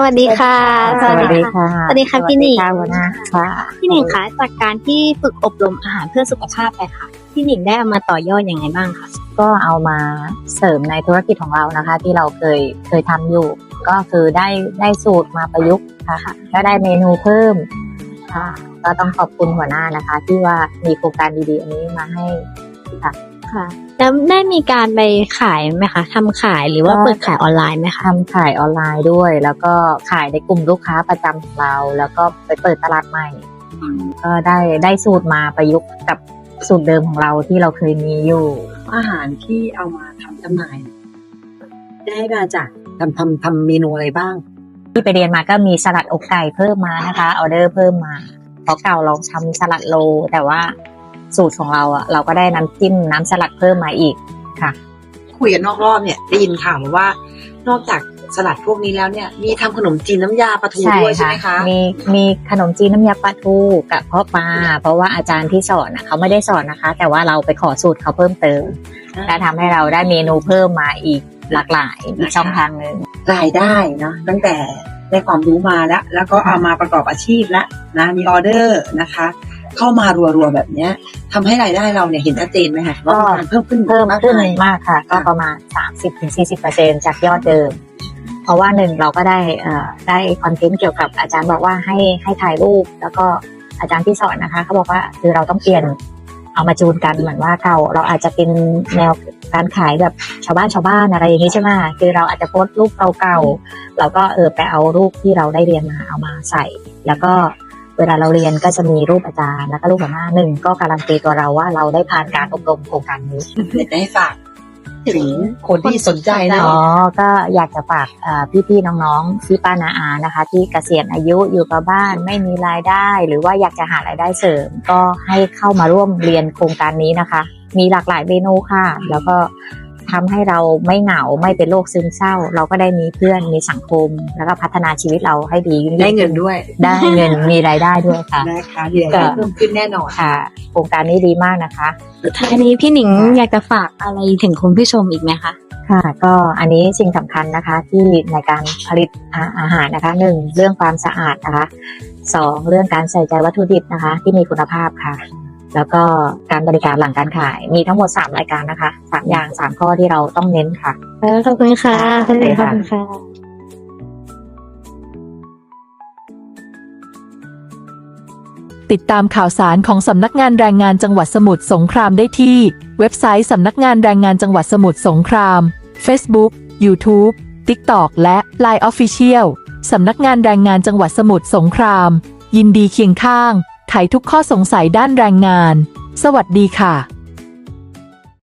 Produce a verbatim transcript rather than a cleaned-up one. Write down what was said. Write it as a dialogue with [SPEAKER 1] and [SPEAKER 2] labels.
[SPEAKER 1] วัสดีค่ะ
[SPEAKER 2] สวัสดีค่ะ
[SPEAKER 1] สวัสดีค่ะพี่หนิง
[SPEAKER 2] สวัสดีค่ะหัวหน้าค่ะ
[SPEAKER 1] พี่หนิงคะจากการที่ฝึกอบรมอาหารเพื่อสุขภาพไปค่ะพี่หนิงได้เอามาต่อยอดยังไงบ้างคะ
[SPEAKER 2] ก็เอามาเสริมในธุรกิจของเรานะคะ ที่เราเคยเคยทำอยู่ ก็คือได้ได้สูตรมาประยุกต์ค่ะก็ได้เมนูเพิ่มค่ะ ก็ต้องขอบคุณหัวหน้านะคะ ที่ว่ามีโครงการดีๆอันนี้มาให้ค่ะ
[SPEAKER 1] ค่ะแล้วได้มีการไปขายไหมคะทำขายหรือว่าเปิดขายออนไลน์ไหมคะ
[SPEAKER 2] ทำขายออนไลน์ด้วย แล้วก็ขายในกลุ่มลูกค้าประจำของเรา แล้วก็ไปเปิดตลาดใหม่ ก็ได้ได้สูตรมาประยุกต์กับสูตรเดิมของเราที่เราเคยมีอยู่
[SPEAKER 3] อาหารที่เอามาทำจำหน่ายได้มาจากทำทำทำเมนูอะไรบ้าง
[SPEAKER 2] ที่ไปเรียนมาก็มีสลัดอกไก่เพิ่มมานะคะออเดอร์เพิ่มมาเพราะเก่าเราทำสลัดโลแต่ว่าสูตรของเราอ่ะเราก็ได้น้ำจิ้มน้ำสลัดเพิ่มมาอีกค่ะ
[SPEAKER 3] คุยกันนอกรอบเนี่ยได้ยินข่าวมาว่า นอกจากสลัดพวกนี้แล้วเนี่ยมีทำขนมจีนน้ำยาปลาทูด้วยใช่ไหมคะ
[SPEAKER 2] มีมีขนมจีนน้ำยาปลาทูกับเพาะปลาเพราะว่าอาจารย์ที่สอนอ่ะเขาไม่ได้สอนนะคะ แต่ว่าเราไปขอสูตรเขาเพิ่มเติมและทำให้เราได้เมนูเพิ่มมาอีกหลากหลายอีกช่องทางหนึ่ง
[SPEAKER 3] รายได้เนาะตั้งแต่ได้ความรู้มาแล้ว แล้วก็เอามาประกอบอาชีพแล้วนะมีออเดอร์นะคะ เข้ามารัวๆแบบเนี้ยทำให้รายได้เราเนี่ยเห็นชัดเจนไหมคะว่ามันเพิ่มขึ้น
[SPEAKER 2] เพิ่ม
[SPEAKER 3] มาก
[SPEAKER 2] ขึ้น
[SPEAKER 3] มาย
[SPEAKER 2] มากค่ะ ก็ประมาณ สามสิบถึงสี่สิบเปอร์เซ็นต์ จากยอดเดิม เพราะว่าหนึ่งเราก็ได้เอ่อได้คอนเทนต์เกี่ยวกับอาจารย์บอกว่าให้ให้ถ่ายรูป แล้วก็อาจารย์ที่สอนนะคะเขาบอกว่าคือเราต้องเปลี่ยนเอามาจูนกันเหมือนว่าเก่าเราอาจจะเป็นแนวการขายแบบชาวบ้านชาวบ้านอะไรอย่างนี้ใช่ไหมคือเราอาจจะโพสต์รูปเก่าๆเราก็เออไปเอารูปที่เราได้เรียนมาเอามาใส่ แล้วก็เวลาเราเรียนก็จะมีรูปอาจารย์แล้วก็รูปหัวหน้าหนึ่งก็การันตีตัวเราว่าเราได้ผ่านการอบรมโครงการนี้
[SPEAKER 3] เด็ดได้ฝากถึงคนที่สนใจนะ
[SPEAKER 2] อ๋อ ก็อยากจะฝากเอ่อพี่ๆน้องๆพี่ป้านาอานะคะ ที่เกษียณอายุอยู่กับบ้านไม่มีรายได้ หรือว่าอยากจะหารายได้เสริม ก็ให้เข้ามาร่วมเรียนโครงการนี้นะคะ มีหลากหลายเมนูค่ะ แล้วก็ทำให้เราไม่เหงาไม่เป็นโรคซึมเศร้า เราก็ได้มีเพื่อนมีสังคม แล้วก็พัฒนาชีวิตเราให้ดียิ่งๆ
[SPEAKER 3] ได้เงินด้วย
[SPEAKER 2] ได้เงินมีรายได้ด้วยค่ะ
[SPEAKER 3] นะคะเรียนได้เพิ่มขึ้นแน่นอน
[SPEAKER 2] ค่ะ โครงการนี้ดีมากนะคะ
[SPEAKER 1] ท้ายนี้พี่หนิงอยากจะฝากอะไรถึงคุณผู้ชมอีกไหมคะ
[SPEAKER 2] ค่ะก็อันนี้สิ่งสำคัญนะคะที่ในการผลิตอาอาหารนะคะหนึ่งเรื่องความสะอาดนะคะสองเรื่องการใส่ใจวัตถุดิบนะคะที่มีคุณภาพค่ะ แล้วก็การบริการหลังการขายมีทั้งหมดสามรายการนะคะสามอย่างสามข้อที่เราต้องเน้นค่ะ
[SPEAKER 1] ขอบคุณค่ะขอบคุณค่ะ
[SPEAKER 4] ติดตามข่าวสารของสำนักงานแรงงานจังหวัดสมุทรสงครามได้ที่เว็บไซต์สำนักงานแรงงานจังหวัดสมุทรสงคราม Facebook YouTube TikTok และ ไลน์ Official สำนักงานแรงงานจังหวัดสมุทรสงครามยินดีเคียงข้างไขทุกข้อสงสัยด้านแรงงานสวัสดีค่ะ